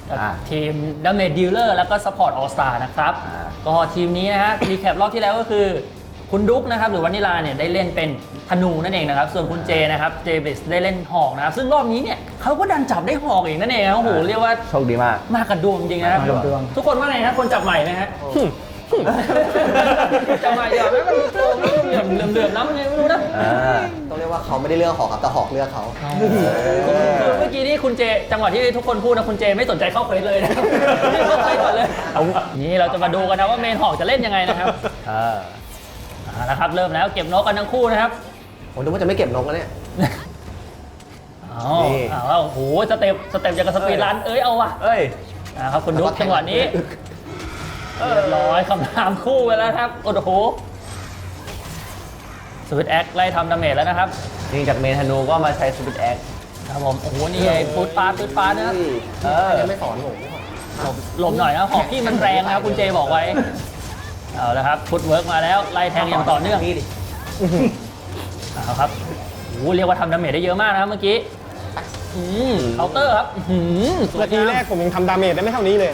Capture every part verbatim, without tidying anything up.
ทีม Damage Dealer แล้วก็ Support All Star นะครับก็ทีมนี้นะฮะรีแคปรอบที่แล้วก็คือคุณดุ๊กนะครับหรือวานิลาเนี่ยได้เล่นเป็นธนูนั่นเองนะครับส่วนคุณเจนะครับเจบิสได้เล่นหอกนะครับซึ่งรอบนี้เนี่ยเขาก็ดันจับได้หอกเองนั่นเองโอ้โหเรียกว่าโชคดีมากมากกระดวงจริงนะครับทุกคนว่าไงครับคนจับใหม่ไหมฮะจับใหม่เดี๋ยวไม่มันโตเหลื่อมเหลื่อมเหลื่อมน้ำมันยังไม่รู้นะต้องเรียกว่าเขาไม่ได้เลือกหอกครับแต่หอกเลือกเขาเมื่อกี้นี่คุณเจจังหวะที่ทุกคนพูดนะคุณเจไม่สนใจเข้าเควสเลยนะเข้าไปก่อนเลยนี่เราจะมาดูกันนะว่าเมนหอกจะเล่นยังไงนะครับนะครับเริ่มแล้วเก็บนกกันทั้งคู่นะครับผมนึกว่าจะไม่เก็บนกแล้วเนี่ยอ๋อเอาโอ้โหสเต็ปสเต็ปอย่างกับสปีดรันเอ้ยเอาว่ะเอ้ยนะครับคุณดุ๊กจังหวะนี้เรียบร้อยคำถามคู่ไปแล้วครับโอ้โหสวิตแอคไล่ทำดาเมจแล้วนะครับยิงจากเมนธนูก็มาใช้สวิตแอคครับผมโอ้โหนี่ไงฟูดปาร์ฟูดปาร์นะครับเออไม่สอนผมหลบหน่อยนะหอกพี่มันแรงนะครับคุณเจบอกไว้เอาละครับฟุตเวิร์กมาแล้วไล่แทงอย่างต่อเนื่องเอาครับโอ้เรียกว่าทำดาเมจได้เยอะมากนะครับเมื่อกี้เคาน์เตอร์ครับนาทีแรกผมยังทำดาเมจได้ไม่เท่านี้เลย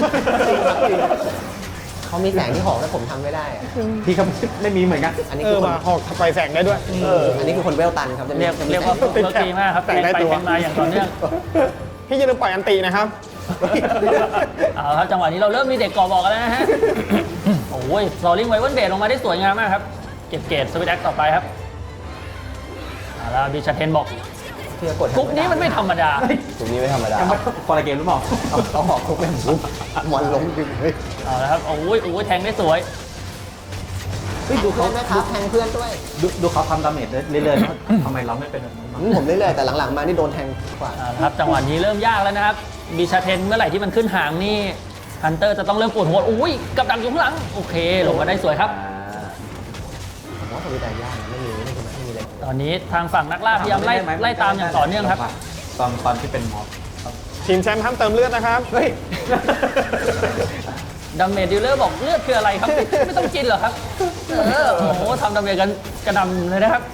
เขามีแสงที่หอกแต่ผมทำไม่ได้พี่เขาไม่มีเหมือนกันอันนี้คือหอกไปแสงได้ด้วยอันนี้คือคนเวลตันครับเรียกเรียกว่าฟุตเวิร์กดีมากครับแทงไปแทงมาอย่างต่อเนื่องพี่จะลืมปล่อยอันตินะครับเอาครับจังหวะนี้เราเริ่มมีเด็กก่อบอกกันแล้วนะฮะโอ้ยซอลลิงไวเวิร์นเบดลงมาได้สวยงามมากครับเก็บเกรดสวิตแอคต่อไปครับเอาละบิชเทนบอกกุ๊กนี้มันไม่ธรรมดากุ๊กนี้ไม่ธรรมดาคอร์เกมหรือเปล่าเขาหอกกุ๊กเป็นกุ๊กมันล้มจริงเลยเอาละครับโอ้ยโอ้ยแทงได้สวยดูเขาไหมครับแทงเพื่อนด้วยดูดูเขาทำดาเมจเรื่อยๆทำไมเราไม่เป็นแบบนั้นผมเรื่อยๆแต่หลังๆมานี่โดนแทงกว่าครับจังหวะนี้เริ่มยากแล้วนะครับบิชเทนเมื่อไหร่ที่มันขึ้นหางนี่ฮันเตอร์จะต้องเริ่มปวดหัวอุ้ยกับดักอยู่ข้างหลังโอเคลงมาได้สวยครับผมว่าสวิตแอคยากนะไม่มีไม่มีไม่มีเลยตอนนี้ทางฝั่งนักล่าพยายามไล่ไล่ตามอย่างต่อเนื่องครับตอนตอนที่เป็นม็อบทีมแชมป์ห้ามเติมเลือดนะครับเฮ้ยดาเมจดีลเลอร์บอกเลือดคืออะไรครับไม่ต้องกินเหรอครับเออโอ้โหทำดาเมจกันกระดำเลยนะครับ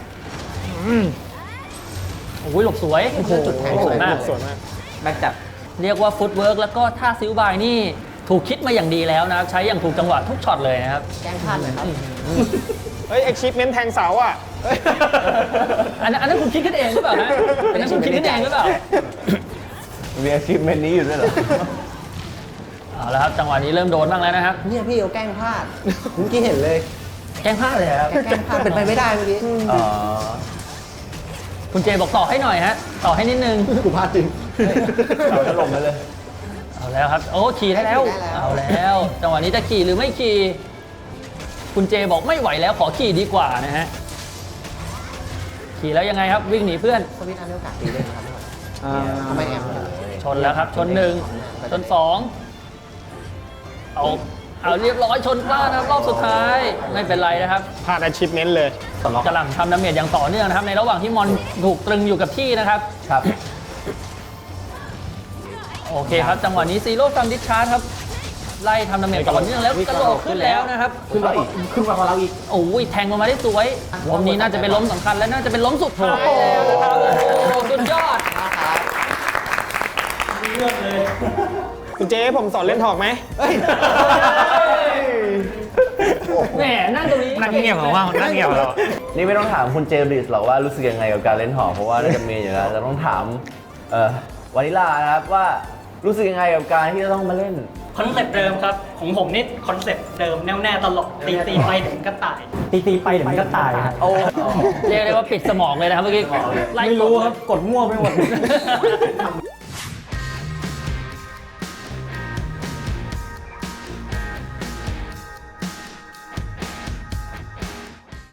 โอ้ยหลบสวยจุดแทงสวยมากสวยมากแบ็คจับเรียกว่าฟุตเวิร์กแล้วก็ท่าซิลบายนี่ถูกคิดมาอย่างดีแล้วนะครับใช้อย่างถูกจังหวะทุกช็อตเลยนะครับแกล้งพลาดเลยครับเฮ้ย achievement แทงเสาอ่ะอันนั้นอันนั้นคุณคิดขึ้นเองหรือเปล่าฮะอันนั้นคุณคิดขึ้นเองหรือเปล่ามี achievement นี้อยู่ด้วยเหรอเอาละครับจังหวะนี้เริ่มโดนบ้างแล้วนะครับเนี่ยพี่เขาแกล้งพลาดเมื่อกี้เห็นเลยแกล้งพลาดเลยครับแกล้งพลาดเป็นไปไม่ได้เมื่อกี้อ๋อคุณเจบอกต่อให้หน่อยฮะต่อให้นิดนึงกูพลาดจริงเราจะลงไปเลยเอาแล้วครับโอ้ขี่ได้แล้วเอาแล้วจังหวะนี้จะขี่หรือไม่ขี่คุณเจบอกไม่ไหวแล้วขอขี่ดีกว่านะฮะขี่แล้วยังไงครับวิ่งหนีเพื่อนสวิตอันเดียวกันตีเลยครับทำไมแอมชนแล้วครับชนหนึ่งชนสองเอาเอาเรียบร้อยชนกล้านะครับรอบสุดท้ายไม่เป็นไรนะครับพลาด achievement เลยกำลังทำดาเมจอย่างต่อเนื่องนะครับในระหว่างที่มอนถูกตรึงอยู่กับที่นะครับครับโอเคครับจังหวะนี้ซีโร่ซัมดิชาร์จครับไล่ทำดาเมจต่อเนื่องแล้วกระโดดขึ้นแล้วนะครับขึ้นมาอีกขึ้นมาของเราอีกโอ้ยแทงลงมาได้สวยล้มนี้น่าจะเป็นล้มสำคัญและน่าจะเป็นล้มสุดท้ายแล้วนะครับโอ้สุดยอดเลือกเลยคุณเจ๊ผมสอนเล่นถอกไหมแหมนั่งตรงนี้นั่งเงียบเหรอว่านั่งเงียบเหรอนี่ไม่ต้องถามคุณเจริสหรอกว่ารู้สึกยังไงกับการเล่นหอกเพราะว่าน่าจะมีอยู่แล้วแต่ต้องถามเอ่อวานิลานะครับว่ารู้สึกยังไงกับการที่จะต้องมาเล่นคอนเซ็ปต์เดิมครับของผมนี่คอนเซ็ปต์เดิมแน่วแน่ตลอดตีตีไปถึงก็ตายตีตีไปถึงก็ตายโอ้เรียกได้ว่าปิดสมองเลยนะครับเมื่อกี้ไม่รู้ครับกดมั่วไปหมด